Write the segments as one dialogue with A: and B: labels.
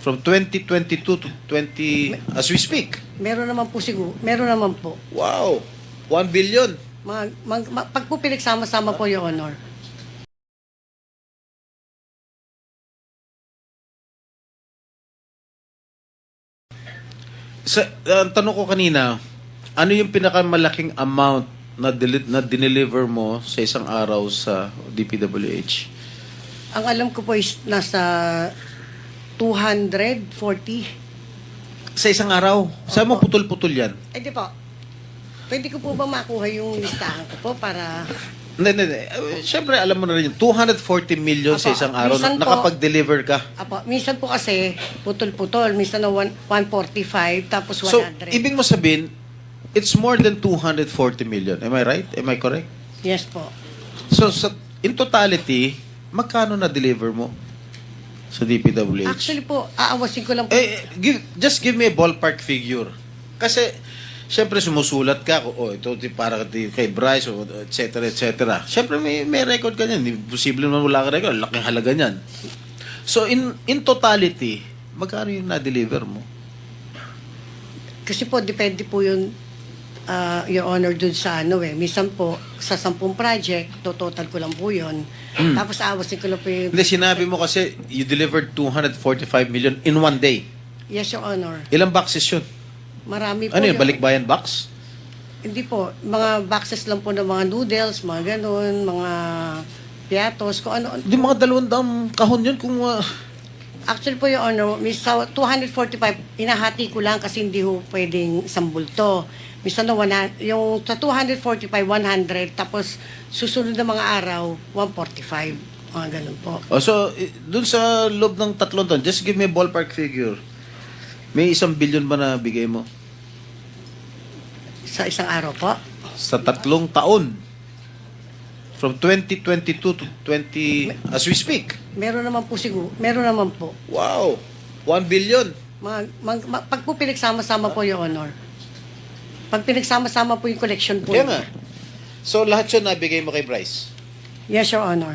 A: From 2022 to 20, as we speak.
B: Meron naman po siguro. Meron naman po.
A: Wow! 1 billion.
B: Pag po pinagsama-sama po, Your Honor.
A: Ang tanong ko kanina, ano yung pinakamalaking amount na dineliver mo sa isang araw sa DPWH?
B: Ang alam ko po is nasa 240.
A: Sa isang araw? Saan mo putol-putol yan?
B: Eh di po. Pwede ko po ba makuha yung listahan ko po para...
A: Hindi. Siyempre, alam mo na rin yun. 240 million sa
B: Apo,
A: isang araw.
B: minsan po-
A: Nakapag-deliver ka.
B: Apo, minsan po kasi putol-putol. Minsan na 145 tapos 100.
A: So, ibig mo sabihin, it's more than 240 million. Am I right? Am I correct?
B: Yes po.
A: So, in totality, magkano na-deliver mo sa DPWH?
B: Actually po, aawasin ko lang po.
A: Just give me a ballpark figure. Kasi, syempre sumusulat ka, ito para kay Bryce, et cetera, et cetera. Syempre may record ka niyan. Imposible naman wala ka record. Laking halaga niyan. So, in totality, magkano yung na-deliver mo?
B: Kasi po, depende po yun, Your Honor, dun sa ano eh. Minsan po, sa 10 project, total ko lang po yun. Tapos aawasin ko lang po yung...
A: Hindi, sinabi mo kasi you delivered 245 million in one day.
B: Yes, Your Honor.
A: Ilang boxes yun?
B: Marami po.
A: Ano yun, balikbayan box?
B: Hindi po. Mga boxes lang po ng mga noodles, mga ganun, mga piatos, kung ano.
A: Hindi, mga 200 kahon yun kung...
B: Actually po, Your Honor, sa 245, inahati ko lang kasi hindi ho pwedeng isang bulto. Minsan na yung sa 245, 100, tapos susunod na mga araw, 145. Mga ganun po.
A: So, dun sa loob ng 3 taon, just give me a ballpark figure. May 1 billion ba na bigay mo?
B: Sa isang araw po.
A: Sa 3 taon. From 2022 to 20, as we speak.
B: Meron naman po siguro. Meron naman po.
A: Wow! 1 billion.
B: Pag po pinagsama-sama po, Your Honor. Pag pinagsama-sama po yung collection po.
A: Kaya nga. So, lahat yun nabigay mo kay Bryce?
B: Yes, Your Honor.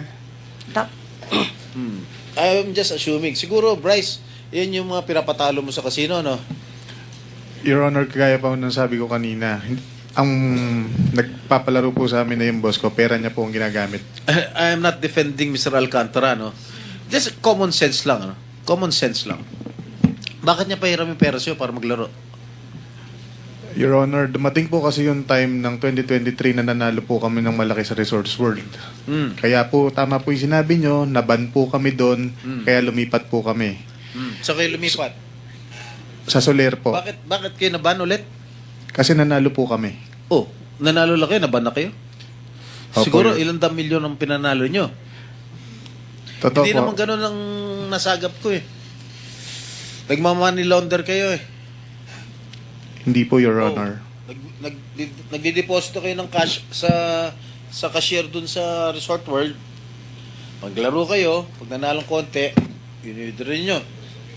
A: I'm just assuming. Siguro, Bryce, yan yung mga pinapatalo mo sa casino, no?
C: Your Honor, kagaya pa ng sabi ko kanina, ang nagpapalaro po sa amin na yung boss ko, pera niya po ang ginagamit.
A: I am not defending Mr. Alcantara, no? Just common sense lang, ano? Common sense lang. Bakit niya pahiram yung pera sa'yo para maglaro?
C: Your Honor, dumating po kasi yung time ng 2023 na nanalo po kami ng malaki sa Resorts World. Kaya po, tama po yung sinabi nyo, naban po kami doon, kaya lumipat po kami.
A: So kayo lumipat?
C: Sa Soler po.
A: Bakit kayo naban ulit?
C: Kasi nanalo po kami.
A: Oh, nanalo lang kayo, naban na kayo?
C: Opo,
A: Siguro
C: yun.
A: ilang milyon ang pinanalo nyo.
C: Totoo
A: Hindi
C: po.
A: naman ganun ang nasagap ko eh. Nagmamoney launder kayo eh.
C: Hindi po, Your Honor.
A: Nagdideposito kayo ng cash sa cashier dun sa Resort World. Paglaro kayo, pag nanalong konti, yun rin nyo.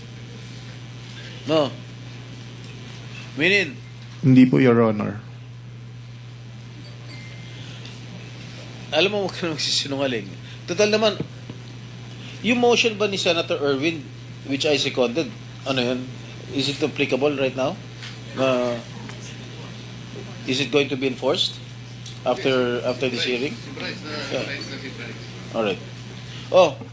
A: No? Minin,
C: Hindi po, Your Honor.
A: alam mo, huwag ka na magsisinungaling. Total naman, yung motion ba ni Senator Erwin, which I seconded, ano yun? Is it applicable right now? Is it going to be enforced after this hearing? Yeah. All right. Oh,